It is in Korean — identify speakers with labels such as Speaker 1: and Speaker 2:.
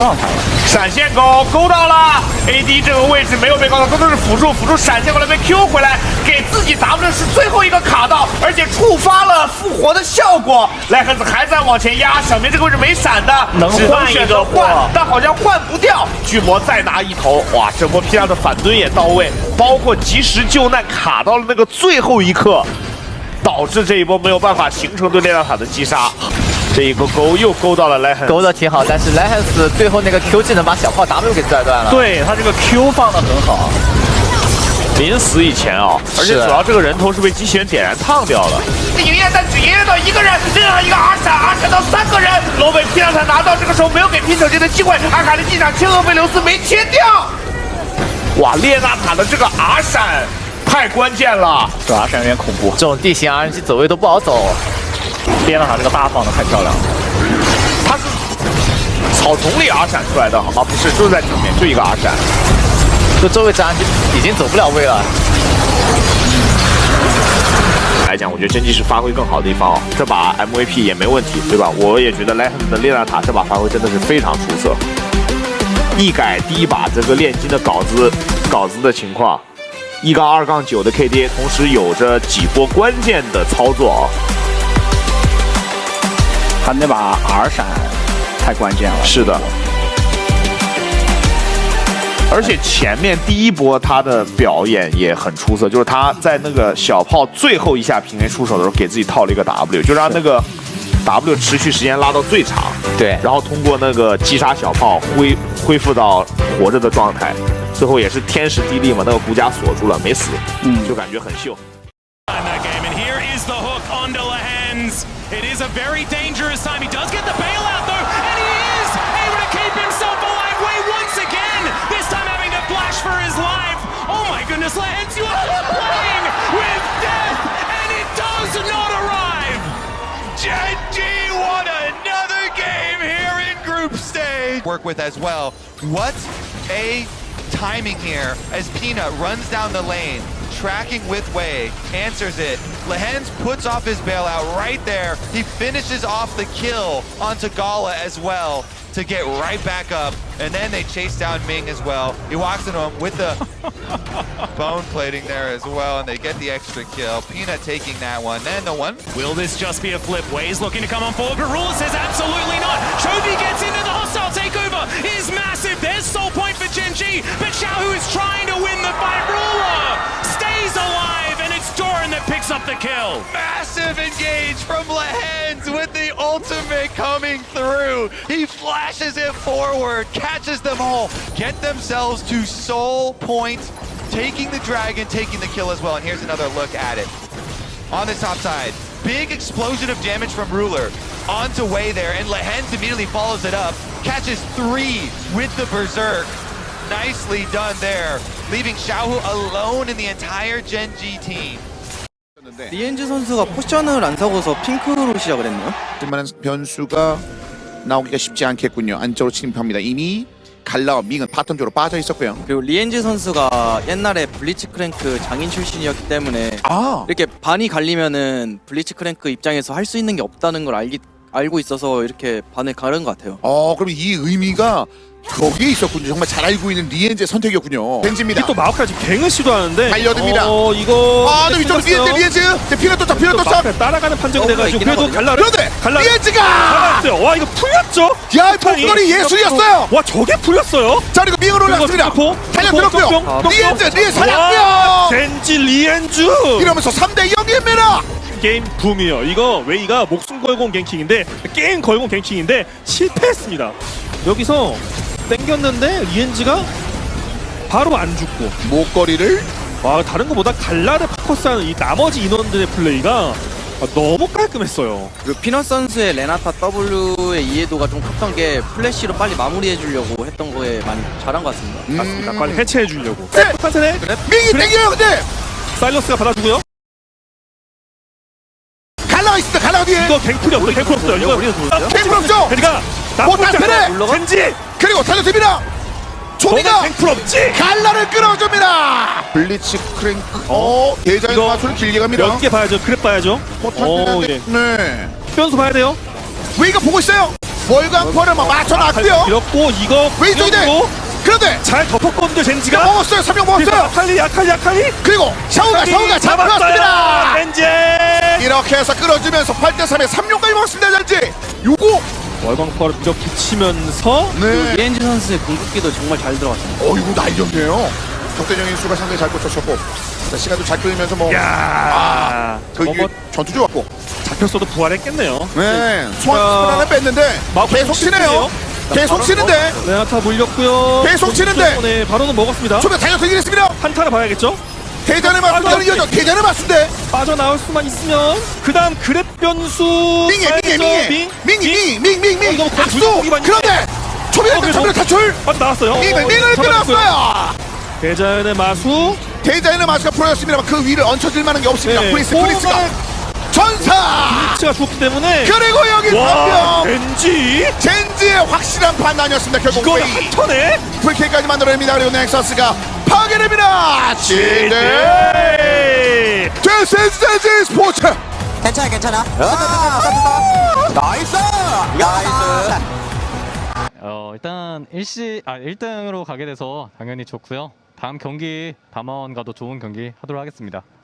Speaker 1: 状态了。
Speaker 2: 闪现勾到了 ，AD 这个位置没有被勾到，都是辅助闪现过来被 Q 回来，给自己 W 是最后一个卡到，而且触发了复活的效果。莱克斯还在往前压，小明这个位置没闪的，
Speaker 1: 能换
Speaker 2: 选择换，但好像换不掉。巨魔再拿一头，哇，这波 P2的反蹲也到位，包括及时救难卡到了那个最后一刻，导致这一波没有办法形成对列纳塔的击杀。 这一个勾又勾到了莱亨，
Speaker 3: 勾的挺好，但是莱亨斯最后那个 Q 技能把小炮 W 给拽断了。
Speaker 1: 对他这个 Q 放的很好，
Speaker 2: 临死以前啊，而且主要这个人头是被机器人点燃烫掉了。营业但只营业到一个人，另外一个 R 闪到3个人，罗伟 P 让他拿到，这个时候没有给拼手机的机会，阿卡丽机场切厄菲留斯没切掉。哇，列纳塔的这个 R 闪太关键了，
Speaker 1: 这 R 闪有点恐怖，
Speaker 3: 这种地形 RNG 走位都不好走。
Speaker 1: 列纳塔这个大放的太漂亮了，
Speaker 2: 他是草丛里 R 闪出来的啊，不是，就是在正面，就一个 R 闪，
Speaker 3: 就周围 RNG 已经走不了位了。
Speaker 2: 来讲，我觉得真机是发挥更好的地方哦，这把 MVP 也没问题，对吧？我也觉得莱亨的列纳塔这把发挥真的是非常出色，一改第一把这个炼金的稿子的情况，1-2-9的 KD， 同时有着几波关键的操作啊。
Speaker 1: 他那把 R 闪太关键了。
Speaker 2: 是的，而且前面第一波他的表演也很出色，就是他在那个小炮最后一下平 A 出手的时候，给自己套了一个 W， 就让那个 W 持续时间拉到最长。
Speaker 3: 对，
Speaker 2: 然后通过那个击杀小炮恢复到活着的状态，最后也是天时地利嘛，那个骨架锁住了，没死，就感觉很秀。
Speaker 4: It is a very dangerous time. He does get the bailout though, and he is able to keep himself alive once again. This time having to flash for his life. Oh my goodness, Lance, you are playing with death, and it does not arrive.
Speaker 5: Gen.G won another game here in group stage. Work with as well. What a timing here as Peanut runs down the lane. Tracking with Wei, answers it. Lehens puts off his bailout right there. He finishes off the kill onto Gala as well to get right back up. And then they chase down Ming as well. He walks into him with the bone plating there as well, and they get the extra kill. Peanut taking that one. Then the one.
Speaker 4: Will this just be a flip? Wei's looking to come on forward, but Ruler says absolutely not. Chovy gets into the hostile takeover. Is massive. There's soul point for Gen.G, but Xiaohu is trying to win the fight. Ruler stays alive, and it's Doran that picks up the kill.
Speaker 5: Massive engage from Lehens with the ultimate coming through. He flashes it forward, catches them all, get themselves to soul point, taking the dragon, taking the kill as well. And here's another look at it. On the top side, big explosion of damage from Ruler onto Wei there, and Lehens immediately follows it up, catches 3 with the Berserk. Nicely done there, leaving Xiaohu alone in the entire Gen.G team.
Speaker 6: 리엔즈 선수가 포션을 안 사고서 핑크로 시작을 했네요.
Speaker 7: 만한 변수가 나오기가 쉽지 않겠군요. 안쪽으로 침입합니다. 이미 갈라와 밍은 바텀 쪽으로 빠져 있었고요.
Speaker 6: 그리고 리엔즈 선수가 옛날에 블리츠 크랭크 장인 출신이었기 때문에 이렇게 반이 갈리면은 블리츠 크랭크 입장에서 할 수 있는 게 없다는 걸 알고 있어서 이렇게 반을 가른 것 같아요.
Speaker 7: 그럼 이 의미가 거기에 있었군요. 정말 잘 알고 있는 리엔즈의 선택이었군요. 벤지입니다.
Speaker 8: 또 마우카가 지금 갱을 시도하는데
Speaker 7: 달려듭니다.
Speaker 8: 이거
Speaker 7: 또 위쪽으로 리엔즈 피가 떴다.
Speaker 8: 따라가는 판정이 돼가지고 그래도
Speaker 7: 그런데 리엔즈가
Speaker 8: 갈랐어요. 와 이거 풀렸죠?
Speaker 7: 야 폭거리 예술이었어요.
Speaker 8: 와 저게 풀렸어요?
Speaker 7: 자 그리고 밍을 올랐습니다. 달려들었고요. 리엔즈 사냥요.
Speaker 8: 젠지 리엔즈
Speaker 7: 이러면서 3대 0입니다.
Speaker 8: 게임 붐이요. 이거 웨이가 목숨 걸고 온 갱킹인데 게임 걸고 온 갱킹인데 실패했습니다. 여기서 땡겼는데 리엔즈가 바로 안 죽고
Speaker 7: 목걸이를
Speaker 8: 다른 것보다 갈라를 포커스하는 이 나머지 인원들의 플레이가 너무 깔끔했어요.
Speaker 6: 그리고 피넛 선수의 레나타 W의 이해도가 좀 컸던 게 플래시로 빨리 마무리해주려고 했던 거에 많이 잘한 것 같습니다.
Speaker 8: 맞습니다. 빨리 해체해주려고.
Speaker 7: 네.
Speaker 8: 판세네.
Speaker 7: 밍이 땡겨요. 근데
Speaker 8: 사일러스가 받아주고요.
Speaker 7: 갈라가 있습니다. 갈라가 뒤에
Speaker 8: 이거 갱플이 없어요. 갱플 없어요. 이거
Speaker 7: 갱플 없죠.
Speaker 8: 그러니까
Speaker 7: 못한 패래.
Speaker 8: 젠지
Speaker 7: 그리고 달려듭니다. 조미가
Speaker 8: 갱플 없지.
Speaker 7: 갈라를 끌어줍니다. 블리츠 크랭크. 대자연 마술을 길게 갑니다.
Speaker 8: 몇 개 봐야죠. 그랩 봐야죠.
Speaker 7: 못한 패인데.
Speaker 8: 예.
Speaker 7: 네.
Speaker 8: 변수 봐야 돼요.
Speaker 7: 웨이가 보고 있어요. 월광포를 뭐 맞춰놨고요.
Speaker 8: 이렇고 이거
Speaker 7: 왼쪽인데
Speaker 8: 구역으로
Speaker 7: 그런데
Speaker 8: 잘 덮었거든요 젠지가.
Speaker 7: 먹었어요. 3명 먹었어요.
Speaker 8: 아칼리
Speaker 7: 그리고 샤오가 잡혔습니다.
Speaker 8: 젠지.
Speaker 7: 이렇게 해서 끌어주면서 8대3에 3명까지 먹었습니다. 젠지. 요거
Speaker 8: 월광포를 밀어붙이면서
Speaker 7: 네.
Speaker 6: 리엔지 선수의 궁극기도 정말 잘 들어갔어요.
Speaker 7: 이거 날렸네요. 적대적인 수가 상당히 잘 꽂혔었고 자, 시간도 잘 끌리면서 뭐
Speaker 8: 야.
Speaker 7: 그
Speaker 8: 뭐
Speaker 7: 전투 좋았고
Speaker 8: 잡혔어도 부활했겠네요.
Speaker 7: 네 소환 하나 뺐는데 계속 치네요. 계속 치는데
Speaker 8: 레나타 물렸고요.
Speaker 7: 계속 치는데.
Speaker 8: 네, 바로는 먹었습니다.
Speaker 7: 초면 달려들긴 했습니다.
Speaker 8: 한타를 봐야겠죠.
Speaker 7: 대전의 맞수대로 이어져. 대전의 맞수대.
Speaker 8: 빠져나올 수만 있으면 그다음 그랩 변수
Speaker 7: 밍
Speaker 8: 이거
Speaker 7: 박수.
Speaker 8: 거의 많이
Speaker 7: 그런데 초면에 초면 탈출.
Speaker 8: 빠져나왔어요.
Speaker 7: 밍을 끊었어요.
Speaker 8: 대자연의 마수.
Speaker 7: 대자연의 마수가 풀어졌습니다만 그 위를 얹혀질 만한 게 없습니다.
Speaker 8: 네.
Speaker 7: 프린스가 전사.
Speaker 8: 가 죽었기 때문에
Speaker 7: 그리고 여기
Speaker 8: 와,
Speaker 7: 한명
Speaker 8: 젠지의
Speaker 7: 확실한 판단이었습니다. 결국
Speaker 8: 이거
Speaker 7: 웨이
Speaker 8: 한턴에
Speaker 7: 풀킬까지 만들어냅니다. 그리고 넥서스가 파괴됩니다.
Speaker 8: 네.
Speaker 7: This is 젠지 스포츠.
Speaker 3: 괜찮아. 나이스.
Speaker 9: 일단 1등으로 가게 돼서 당연히 좋고요. 다음 경기 담원과도 좋은 경기 하도록 하겠습니다.